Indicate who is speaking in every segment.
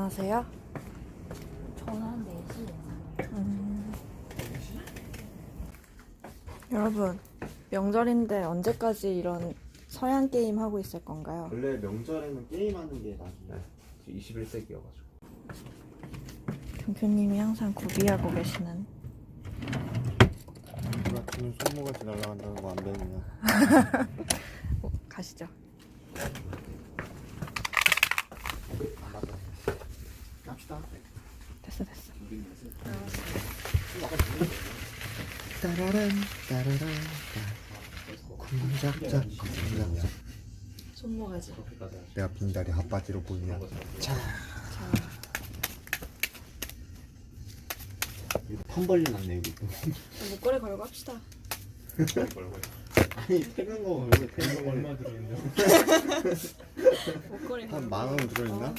Speaker 1: 하세요?
Speaker 2: 저는 한 4시
Speaker 1: 여러분, 명절인데 언제까지 이런 서양 게임 하고 있을 건가요?
Speaker 3: 원래 명절에는 게임하는 게 나중에
Speaker 4: 21세기여가지고
Speaker 1: 경표님이 항상 고비하고 계시는.
Speaker 3: 같은 손모가지 날아간다는 거 안 배우냐?
Speaker 1: 가시죠.
Speaker 3: 갑시다.
Speaker 1: 됐어.
Speaker 3: 따라란 따라란 쿵짝짝 쿵짝짝.
Speaker 1: 손모가지.
Speaker 3: 내가 빈다리 핫바지로 보이냐? 자. 판 벌려놨네 여기.
Speaker 1: 목걸이 걸고 합시다.
Speaker 3: 아니 퇴근 거 왜 퇴근 거 얼마 들어있냐?
Speaker 1: 목걸이
Speaker 3: 한 10,000원 들어있나?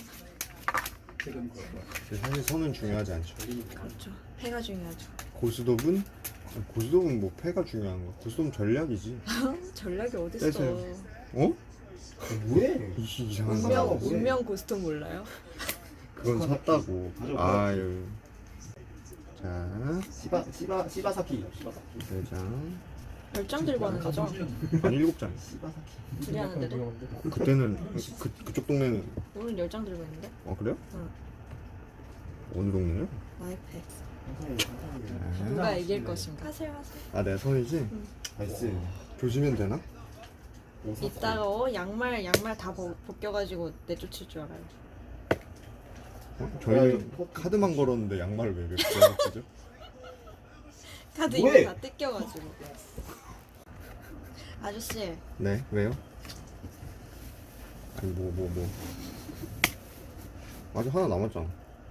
Speaker 3: 사실 선은 중요하지 않죠.
Speaker 1: 그렇죠. 패가 중요하죠.
Speaker 3: 고스톱은? 고스톱은 뭐 패가 중요한 거. 고스톱은 전략이지.
Speaker 1: 전략이 어딨어.
Speaker 3: 빼세요. 어? 뭐해? 이상한 거.
Speaker 1: 운명 고스톱 몰라요?
Speaker 3: 그건 샀다고. 아유. 자,
Speaker 4: 시바사키
Speaker 3: 4장.
Speaker 1: 10장 들고 하는 거죠?
Speaker 3: 아니 7장.
Speaker 1: 둘이 하는데도?
Speaker 3: 그때는 그쪽 동네는
Speaker 1: 오늘 10장 들고 있는데?
Speaker 3: 그래요?
Speaker 1: 응.
Speaker 3: 어느 동네요?
Speaker 1: 마이패. 누가 이길 것인가? 하세요.
Speaker 3: 아, 내 선이지?
Speaker 4: 나이스.
Speaker 3: 조지면 되나?
Speaker 1: 이따가 양말 다 벗겨가지고 내쫓을 줄 알아요.
Speaker 3: 저희 카드만 걸었는데 양말을 왜 벗겨죠?
Speaker 1: 카드
Speaker 4: 뭐해?
Speaker 1: 이거 다 뜯겨가지고. 아저씨,
Speaker 3: 네, 왜요? 아니 뭐. 아직 하나 남았잖아.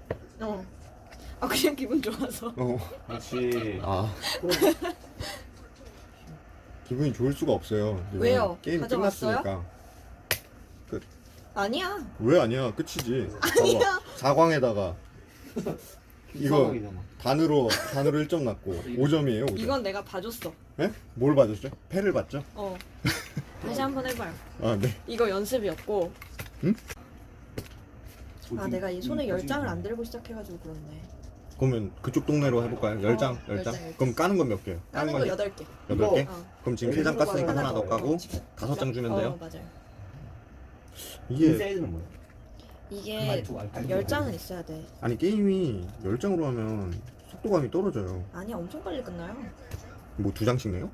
Speaker 1: 그냥 기분 좋아서.
Speaker 4: 그렇지.
Speaker 3: 아. 기분이 좋을 수가 없어요. 지금
Speaker 1: 왜요?
Speaker 3: 게임
Speaker 1: 가져갔어요?
Speaker 3: 끝났으니까.
Speaker 1: 아니야.
Speaker 3: 왜 아니야? 끝이지.
Speaker 1: 아니야.
Speaker 3: 봐봐. 사광에다가 이거
Speaker 4: 사광이잖아.
Speaker 3: 단으로 1점 났고 5점이에요. 5점.
Speaker 1: 이건 내가 봐줬어.
Speaker 3: 네? 뭘 받았죠? 패를 받죠?
Speaker 1: 다시 한번 해봐요.
Speaker 3: 아, 네.
Speaker 1: 이거 연습이었고.
Speaker 3: 응?
Speaker 1: 내가 이 손에 10장을 안 들고 시작해가지고 그렇네.
Speaker 3: 그러면 그쪽 동네로 해볼까요? 10장? 10장?
Speaker 1: 10장.
Speaker 3: 그럼 까는 건 몇 개요?
Speaker 1: 까는 거 8개.
Speaker 3: 8개?
Speaker 1: 어.
Speaker 3: 그럼 지금 3장 깠으니까 하나 더 까고 5장 주면 돼요?
Speaker 1: 맞아요.
Speaker 3: 이게
Speaker 4: 세이드는 뭐야?
Speaker 1: 이게 10장은 있어야 돼.
Speaker 3: 아니 게임이 10장으로 하면 속도감이 떨어져요.
Speaker 1: 아니야, 엄청 빨리 끝나요.
Speaker 3: 뭐 2장씩 내요?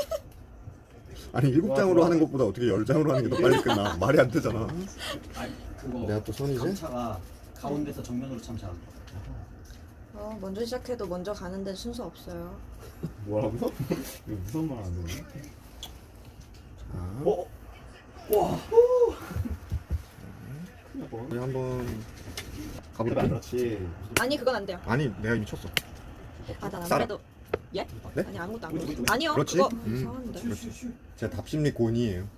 Speaker 3: 아니 7장으로 하는 것보다 어떻게 10장으로 하는 게 더 빨리 끝나? 말이 안 되잖아.
Speaker 5: 그거
Speaker 3: 내가 또 선이지?
Speaker 5: 감차가 가운데서 정면으로 참 잘한다.
Speaker 1: 먼저 시작해도 먼저 가는데 순서 없어요.
Speaker 3: 뭐라고요? 이거 무슨 말 안 되네. 자,
Speaker 4: 와.
Speaker 3: 우리 한번 가볼게.
Speaker 4: 그렇지.
Speaker 1: 아니, 그건 안 돼요.
Speaker 3: 아니 내가 미쳤어.
Speaker 1: 난
Speaker 3: 쌀아.
Speaker 1: 아무래도. 예?
Speaker 3: 네?
Speaker 1: 아니, 아무것도 안 그랬어. 아니요,
Speaker 3: 그렇지?
Speaker 1: 그거
Speaker 3: 그렇지.
Speaker 1: 이상한데.
Speaker 3: 제가 답심리 곤이에요.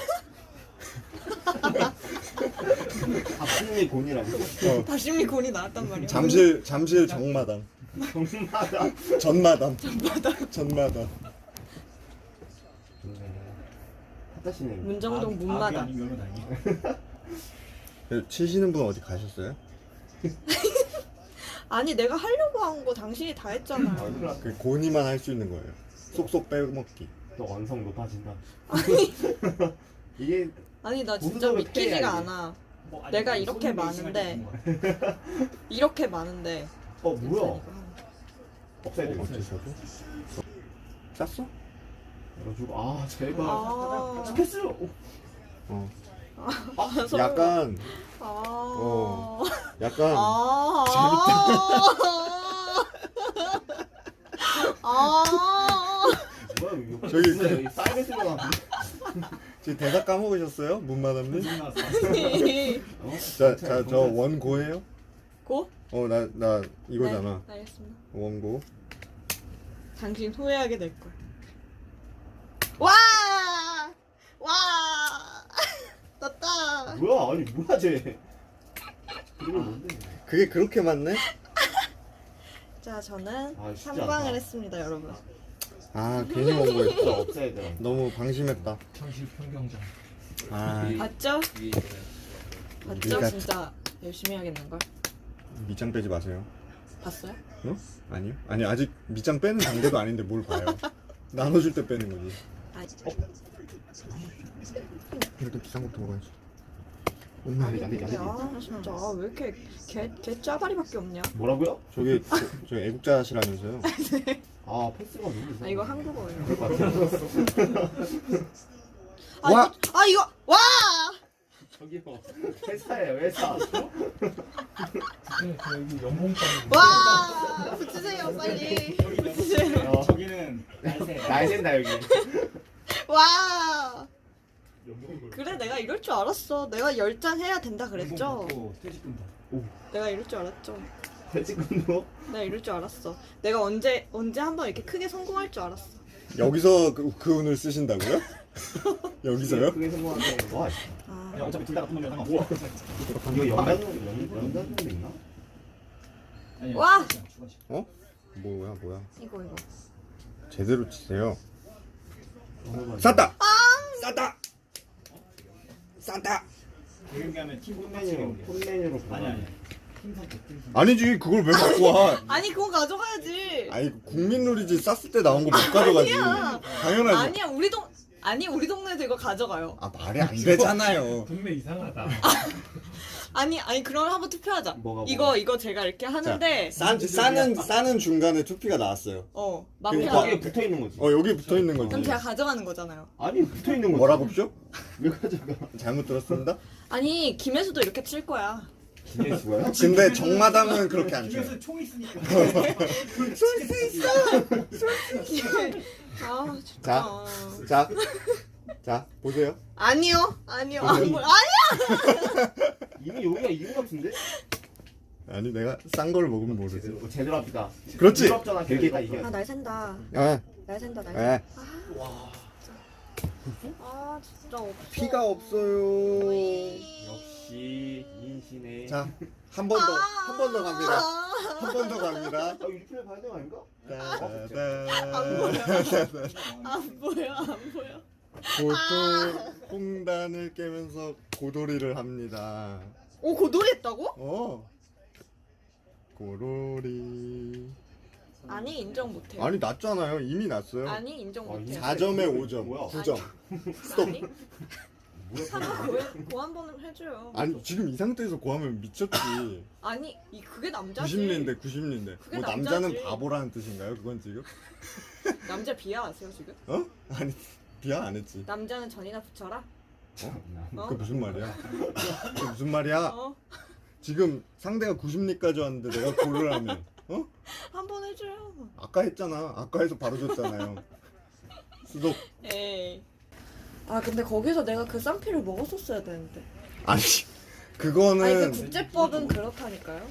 Speaker 4: 합승리 곤이라고.
Speaker 1: 다심리 곤이 나왔단 말이야.
Speaker 3: 잠실 정마당. 전마당.
Speaker 4: 핫하시네.
Speaker 1: 문정동 문마다.
Speaker 5: 아니면 다행이야.
Speaker 3: 치시는 분 어디 가셨어요?
Speaker 1: 아니, 내가 하려고 한 거 당신이 다 했잖아요.
Speaker 3: 그 곤이만 할 수 있는 거예요. 쏙쏙 빼먹기.
Speaker 4: 너 완성 높아진다.
Speaker 3: 이게
Speaker 1: 아니, 나 진짜
Speaker 4: 고스톱을
Speaker 1: 믿기지가
Speaker 4: 패야지.
Speaker 1: 않아.
Speaker 5: 뭐, 아니,
Speaker 1: 내가
Speaker 5: 아니,
Speaker 1: 이렇게
Speaker 5: 손님
Speaker 1: 많은데.
Speaker 5: 매칭할 때
Speaker 1: 이렇게 많은데.
Speaker 4: 뭐야?
Speaker 1: 이거
Speaker 4: 없애야 돼.
Speaker 3: 어째서도? 쌌어?
Speaker 4: 열어주고. 아 제발.
Speaker 1: 아.
Speaker 4: 패스.
Speaker 3: 어.
Speaker 1: 서로.
Speaker 3: 약간
Speaker 1: 아.
Speaker 3: 약간
Speaker 1: 아.
Speaker 4: 뭐야 이거?
Speaker 3: 저기
Speaker 4: 무슨 여기 사이드 슬러가.
Speaker 3: 지금 대사 까먹으셨어요? 문마담님?
Speaker 4: 어?
Speaker 3: 저 원고예요?
Speaker 1: 고?
Speaker 3: 나 이거잖아.
Speaker 1: 네, 알겠습니다.
Speaker 3: 원고.
Speaker 1: 당신 후회하게 될 거야. 와! 와! 떴다.
Speaker 4: 뭐야 아니 뭐야 쟤. 그리고 뭔데?
Speaker 3: 그게 그렇게 많네?
Speaker 1: 자, 저는
Speaker 4: 아, 쉽지
Speaker 1: 3방을
Speaker 4: 않다.
Speaker 1: 했습니다, 여러분.
Speaker 3: 아 괜히 원고했다.
Speaker 4: 없애야 돼.
Speaker 3: 너무 방심했다.
Speaker 5: 현실 평경장.
Speaker 3: 아
Speaker 1: 봤죠? 봤죠?
Speaker 3: 우리가
Speaker 1: 진짜 열심히 해야겠는걸?
Speaker 3: 밑장 빼지 마세요.
Speaker 1: 봤어요?
Speaker 3: 어? 아니요? 아니 아직 밑장 빼는 단계도 아닌데 뭘 봐요. 나눠줄 때 빼는 거지.
Speaker 1: 아,
Speaker 3: 일단 비싼 것부터 먹어야지.
Speaker 1: 아 진짜 왜 이렇게 개 짜바리밖에 없냐?
Speaker 4: 뭐라고요?
Speaker 3: 저 애국자시라면서요?
Speaker 4: 아 패스가 너무
Speaker 1: 아
Speaker 4: 이상해.
Speaker 1: 이거 한국어예요.
Speaker 4: 그럴 것 같아요.
Speaker 3: 와!
Speaker 1: 이거 와!
Speaker 4: 저기요. 회사예요 회사.
Speaker 5: 여기 연봉빵.
Speaker 1: 와! 붙이세요 빨리. 붙이세요.
Speaker 5: 저기는 날새.
Speaker 4: 날 샌다 여기.
Speaker 1: 와! 그래 내가 이럴 줄 알았어. 내가 10장 해야 된다 그랬죠?
Speaker 5: 퇴직금도.
Speaker 1: 내가 이럴 줄 알았죠.
Speaker 4: 퇴직금도?
Speaker 1: 내가 이럴 줄 알았어. 내가 언제 한번 이렇게 크게 성공할 줄 알았어.
Speaker 3: 여기서 그 운을 쓰신다고요? 여기서요?
Speaker 4: 그게 성공한데. 와.
Speaker 1: 아,
Speaker 5: 야 어차피 둘 다 같은 놈이잖아.
Speaker 4: 이거 연단도 있나?
Speaker 5: 아니,
Speaker 1: 와!
Speaker 5: 추가시.
Speaker 3: 어? 뭐야?
Speaker 1: 이거.
Speaker 3: 제대로 치세요. 쌌다! 쌌다! 쌌다!
Speaker 5: 경기 하면 팀
Speaker 4: 폰메뉴로 폰메뉴로
Speaker 5: 아니. 팀 선택.
Speaker 3: 아니지 그걸 왜 갖고 와?
Speaker 1: 아니 그거 가져가야지.
Speaker 3: 아니 국민놀이지 쌌을 때 나온 거 못 가져가지.
Speaker 1: 아니야.
Speaker 3: 당연하지.
Speaker 1: 아니야 우리 동네에서 이거 가져가요.
Speaker 3: 아 말이 안 되잖아요.
Speaker 5: 동네 이상하다.
Speaker 1: 아니 그럼 한번 투표하자.
Speaker 4: 뭐가?
Speaker 1: 이거 제가 이렇게 하는데
Speaker 3: 싸는 중간에 투피가 나왔어요.
Speaker 1: 마피아.
Speaker 3: 그러니까
Speaker 4: 거기에 붙어 있는 거지.
Speaker 3: 여기 붙어 있는 거지.
Speaker 1: 그럼 제가 가져가는 거잖아요.
Speaker 4: 아니 붙어 있는 거지.
Speaker 3: 뭐라고죠?
Speaker 4: 왜 가져가?
Speaker 3: 잘못 들었습니다.
Speaker 1: 아니 김혜수도 이렇게 칠 거야.
Speaker 4: 기네스가요?
Speaker 3: 근데 정마담은 그렇게 안 쳐요.
Speaker 5: 집에서 총 있으니까.
Speaker 1: 아 진짜.
Speaker 3: 자 보세요.
Speaker 1: 아니요. 아니야.
Speaker 4: 이미 여기가 이거 같은데?
Speaker 3: 아니 내가 싼 걸 먹으면 모르지.
Speaker 4: 제대로 합시다.
Speaker 3: 그렇지.
Speaker 4: 유럽전화 결계가 이게.
Speaker 1: 날 샌다.
Speaker 3: 예.
Speaker 1: 날 샌다.
Speaker 3: 예.
Speaker 1: 아 진짜 없어.
Speaker 3: 피가 없어요.
Speaker 4: 역시 인신의.
Speaker 3: 자 한 번 더 갑니다. 한 번 더 갑니다.
Speaker 4: 리플레이 봐야 되는 거 아닌가?
Speaker 1: 안 보여.
Speaker 3: 홍단을 깨면서 고돌이를 합니다.
Speaker 1: 오 고돌이 했다고?
Speaker 3: 고돌이.
Speaker 1: 아니 인정 못해.
Speaker 3: 아니 났잖아요. 이미 났어요.
Speaker 1: 아니 인정 못해.
Speaker 3: 4점에 5점.
Speaker 4: 뭐야?
Speaker 3: 9점.
Speaker 1: 아니. 한번 고한 번은 해줘요.
Speaker 3: 아니 지금 이 상태에서 고하면 미쳤지.
Speaker 1: 아니 그게 남자지.
Speaker 3: 90년대.
Speaker 1: 그게
Speaker 3: 뭐
Speaker 1: 남자지.
Speaker 3: 남자는 바보라는 뜻인가요? 그건 지금?
Speaker 1: 남자 비하하세요 지금?
Speaker 3: 아니 비하 안 했지.
Speaker 1: 남자는 전이나 붙여라.
Speaker 3: 그게 무슨 말이야? 그게 무슨 말이야? 지금 상대가 90리까지 왔는데 내가 고르라면
Speaker 1: 한 번 해줘요.
Speaker 3: 아까 했잖아. 아까 해서 바로 줬잖아요. 수독.
Speaker 1: 에이. 아 근데 거기서 내가 그 쌍피를 먹었었어야 되는데.
Speaker 3: 아니 그거는
Speaker 1: 아니 그 국제법은 그렇다니까요.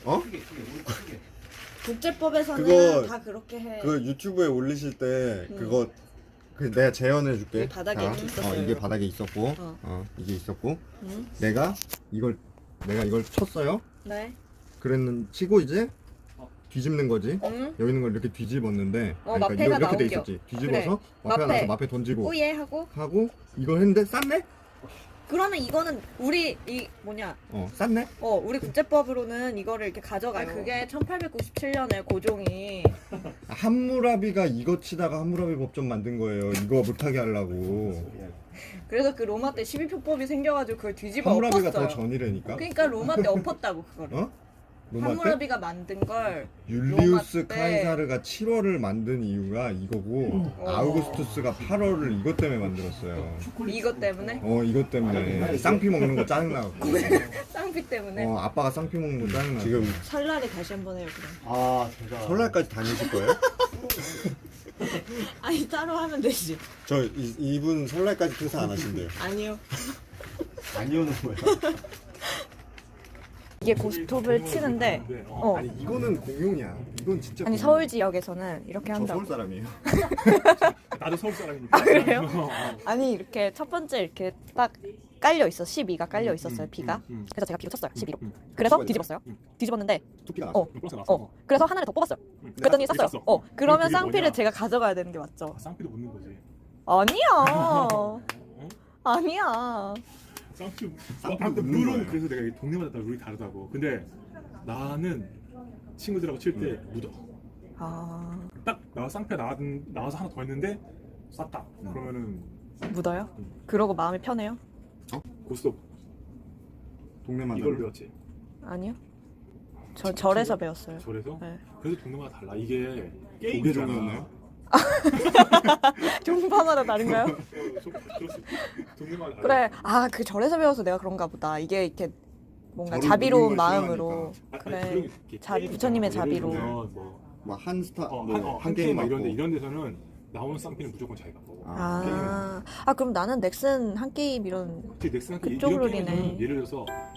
Speaker 1: 국제법에서는
Speaker 3: 그거-
Speaker 1: 다 그렇게 해.
Speaker 3: 그 유튜브에 올리실 때 그거 내가 재현해 줄게.
Speaker 1: 이게 바닥에 있었어요.
Speaker 3: 이게 바닥에 있었고,
Speaker 1: 어.
Speaker 3: 이게 있었고,
Speaker 1: 응?
Speaker 3: 내가 이걸 쳤어요.
Speaker 1: 네.
Speaker 3: 치고 이제 뒤집는 거지.
Speaker 1: 응?
Speaker 3: 여기 있는 걸 이렇게 뒤집었는데,
Speaker 1: 마패가
Speaker 3: 이렇게 돼
Speaker 1: 나오죠.
Speaker 3: 있었지. 뒤집어서
Speaker 1: 그래.
Speaker 3: 마패가
Speaker 1: 마패.
Speaker 3: 나서 마패 던지고
Speaker 1: 오예 하고.
Speaker 3: 하고 이걸 했는데 쌌네?
Speaker 1: 그러면 이거는 우리
Speaker 3: 쌌네?
Speaker 1: 우리 국제법으로는 이거를 이렇게 가져가요. 그게 1897년에 고종이
Speaker 3: 함무라비가 이거 치다가 함무라비 법전 만든 거예요. 이거 못하게 하려고.
Speaker 1: 그래서 그 로마 때 12표법이 생겨가지고 그걸 뒤집어
Speaker 3: 함무라비가
Speaker 1: 엎었어요.
Speaker 3: 더 전이라니까.
Speaker 1: 그러니까 로마 때 엎었다고 그거를.
Speaker 3: 로마 때
Speaker 1: 함무라비가 만든 걸
Speaker 3: 율리우스
Speaker 1: 로마 때-
Speaker 3: 카이사르가 7월을 만든 이유가 이거고 아우구스투스가 8월을 이것 때문에 만들었어요.
Speaker 1: 이것 때문에
Speaker 3: 이것 때문에 쌍피 먹는 거 짜증나고.
Speaker 1: 쌍피 때문에
Speaker 3: 아빠가 쌍피 먹는 거 짜증나. 지금
Speaker 1: 설날에 다시 한번 해요 그럼.
Speaker 4: 아 진짜.
Speaker 3: 설날까지 다니실 거예요?
Speaker 1: 아니 따로 하면 되지.
Speaker 3: 이분 설날까지 퇴사 안 하신대요.
Speaker 1: 아니요.
Speaker 4: 아니오는 뭐야?
Speaker 1: 이게 고스톱을 치는데
Speaker 3: 아니 이거는 공용이야. 이건 진짜.
Speaker 1: 아니 서울 지역에서는 이렇게
Speaker 3: 저
Speaker 1: 한다고.
Speaker 3: 서울 사람이에요.
Speaker 5: 나도 서울 사람이니까.
Speaker 1: 아 그래요? 아니 이렇게 첫 번째 이렇게 딱 깔려 있어. 12가 깔려 있었어요. 비가. 그래서 제가 비로 쳤어요. 12로. 그래서 뒤집었어요. 뒤집었는데
Speaker 3: 투피가 나왔어.
Speaker 1: 그래서 하나를 더 뽑았어요. 그랬더니 쌌어요. 그러면 쌍피를 제가 가져가야 되는 게 맞죠?
Speaker 5: 쌍피도 묻는 거지.
Speaker 1: 아니야. 아니야.
Speaker 5: 쌍피.
Speaker 3: 쌍피
Speaker 5: 근데
Speaker 3: 묻는
Speaker 5: 룰은
Speaker 3: 거예요.
Speaker 5: 그래서 내가 이게 동네마다 다 룰이 다르다고. 근데 나는 친구들하고 칠 때 묻어.
Speaker 1: 아
Speaker 5: 딱 나 쌍패 나와서 하나 더 했는데 쐈다. 그러면은
Speaker 1: 묻어요? 그러고 마음이 편해요?
Speaker 5: 고스톱
Speaker 3: 동네만
Speaker 5: 이걸
Speaker 3: 다른데?
Speaker 5: 배웠지.
Speaker 1: 아니요. 저 절에서 배웠어요.
Speaker 5: 절에서?
Speaker 1: 네.
Speaker 5: 그래서 동네마다 달라. 이게
Speaker 3: 조개
Speaker 5: 게임이잖아.
Speaker 3: 종이었나요?
Speaker 1: 종파마다 다른가요?
Speaker 5: 그럴 수 있지. 동네마다 달라.
Speaker 1: 그래. 아 그 절에서 배워서 내가 그런가 보다. 이게 이렇게 뭔가
Speaker 3: 절을
Speaker 1: 자비로운
Speaker 3: 부리는 걸
Speaker 1: 마음으로.
Speaker 5: 아니,
Speaker 1: 그래.
Speaker 5: 그런 게
Speaker 1: 자비,
Speaker 5: 게임이잖아.
Speaker 1: 부처님의
Speaker 5: 예를
Speaker 1: 자비로.
Speaker 5: 들면 뭐
Speaker 3: 막 한 스타
Speaker 5: 한
Speaker 3: 한 게임
Speaker 5: 막
Speaker 3: 맞고
Speaker 5: 이런 데서는 나오는 쌍피는 무조건 자기가 먹어.
Speaker 1: 아 그럼 나는 넥슨 한 게임 이런
Speaker 5: 넥슨한테
Speaker 1: 그쪽으로
Speaker 5: 이런 게임은
Speaker 1: 리네.
Speaker 5: 예를 들어서